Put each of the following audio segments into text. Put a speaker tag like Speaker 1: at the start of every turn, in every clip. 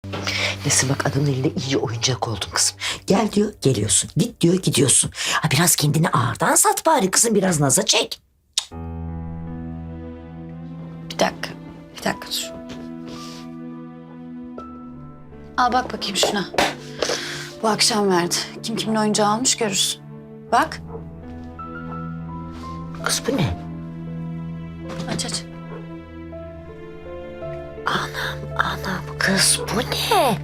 Speaker 1: Nesin bak adamın elinde iyice oyuncak oldun kızım. Gel diyor geliyorsun. Git diyor gidiyorsun. Ha, biraz kendini ağırdan sat bari kızım. Biraz naza çek.
Speaker 2: Bir dakika. Bir dakika dur. Al bak bakayım şuna. Bu akşam verdi. Kim kimin oyuncağı almış görürsün. Bak.
Speaker 1: Kız bu ne?
Speaker 2: Aç aç.
Speaker 1: Anam kız bu ne?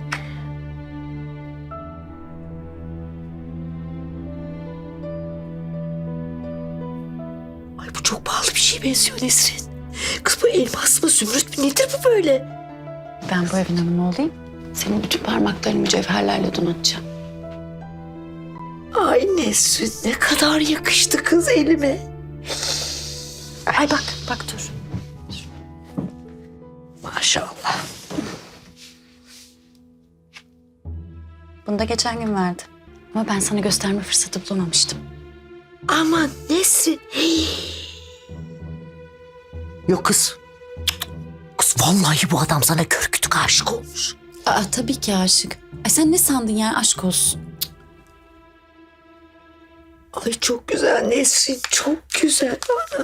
Speaker 1: Ay bu çok pahalı bir şeye benziyor Nesrin. Kız bu elmas mı zümrüt mü nedir bu böyle?
Speaker 2: Ben bu evin hanımı olayım. Senin bütün parmaklarını mücevherlerle donatacağım.
Speaker 1: Ay Nesrin ne kadar yakıştı kız elime.
Speaker 2: Ay bak, bak dur.
Speaker 1: Maşallah.
Speaker 2: Bunu da geçen gün verdi. Ama ben sana gösterme fırsatı bulamamıştım.
Speaker 1: Aman Nesrin. Yok kız. Kız vallahi bu adam sana kör kütük aşık olmuş.
Speaker 2: Aa tabii ki aşık. Ay sen ne sandın ya aşk olsun.
Speaker 1: Ay çok güzel Nesrin çok güzel.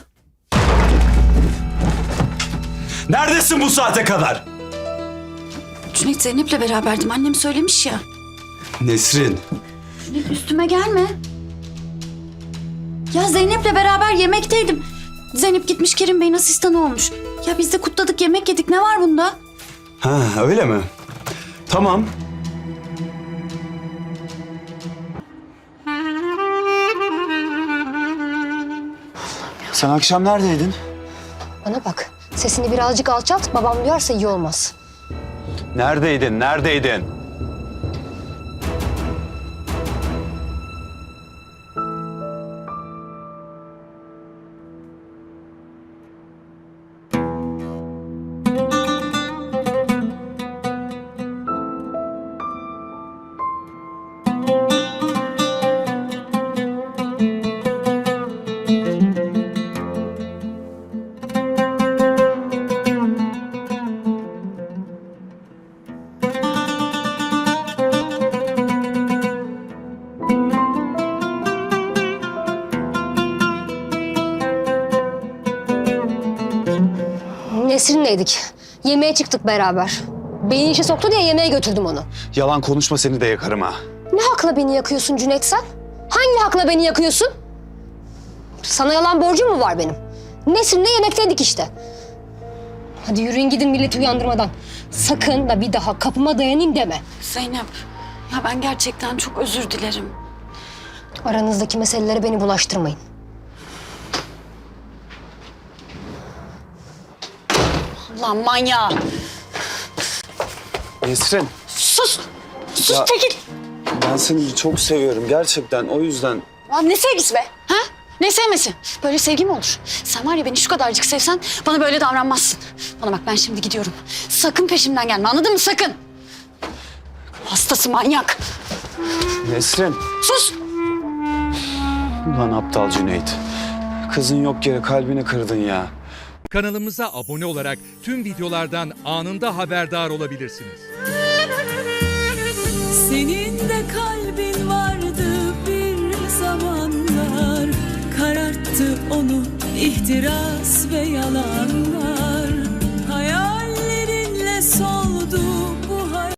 Speaker 3: Neredesin bu saate kadar?
Speaker 2: Cüneyt Zeynep'le beraberdim. Annem söylemiş ya.
Speaker 3: Nesrin.
Speaker 2: Cüneyt üstüme gelme. Ya Zeynep'le beraber yemekteydim. Zeynep gitmiş Kerim Bey'in asistanı olmuş. Ya biz de kutladık yemek yedik. Ne var bunda?
Speaker 3: Ha öyle mi? Tamam. Sen akşam neredeydin?
Speaker 4: Bana bak, sesini birazcık alçalt, babam duyarsa iyi olmaz.
Speaker 3: Neredeydin? Neredeydin?
Speaker 4: Nesrin'leydik. Yemeğe çıktık beraber. Beni işe soktu diye yemeğe götürdüm onu.
Speaker 3: Yalan konuşma seni de yakarım ha.
Speaker 4: Ne hakla beni yakıyorsun Cüneyt sen? Hangi hakla beni yakıyorsun? Sana yalan borcum mu var benim? Nesrin'le yemekteydik işte. Hadi yürüyün gidin milleti uyandırmadan. Sakın da bir daha kapıma dayanayım deme.
Speaker 2: Zeynep, ya ben gerçekten çok özür dilerim.
Speaker 4: Aranızdaki meselelere beni bulaştırmayın.
Speaker 2: Lan manyağı.
Speaker 3: Nesrin.
Speaker 2: Sus. Sus
Speaker 3: Ya-
Speaker 2: çekil.
Speaker 3: Ben seni çok seviyorum gerçekten o yüzden.
Speaker 2: Lan ne sevgisi be? Ha? Ne sevmesi? Böyle sevgi mi olur? Sen var ya beni şu kadarcık sevsen bana böyle davranmazsın. Bana bak ben şimdi gidiyorum. Sakın peşimden gelme anladın mı? Sakın. Hastası manyak.
Speaker 3: Nesrin.
Speaker 2: Sus.
Speaker 3: Ulan aptal Cüneyt. Kızın yok yere kalbini kırdın ya.
Speaker 5: Kanalımıza abone olarak tüm videolardan anında haberdar olabilirsiniz.
Speaker 6: Senin de kalbin vardı bir zamanlar, kararttı onu ihtiras ve yalanlar.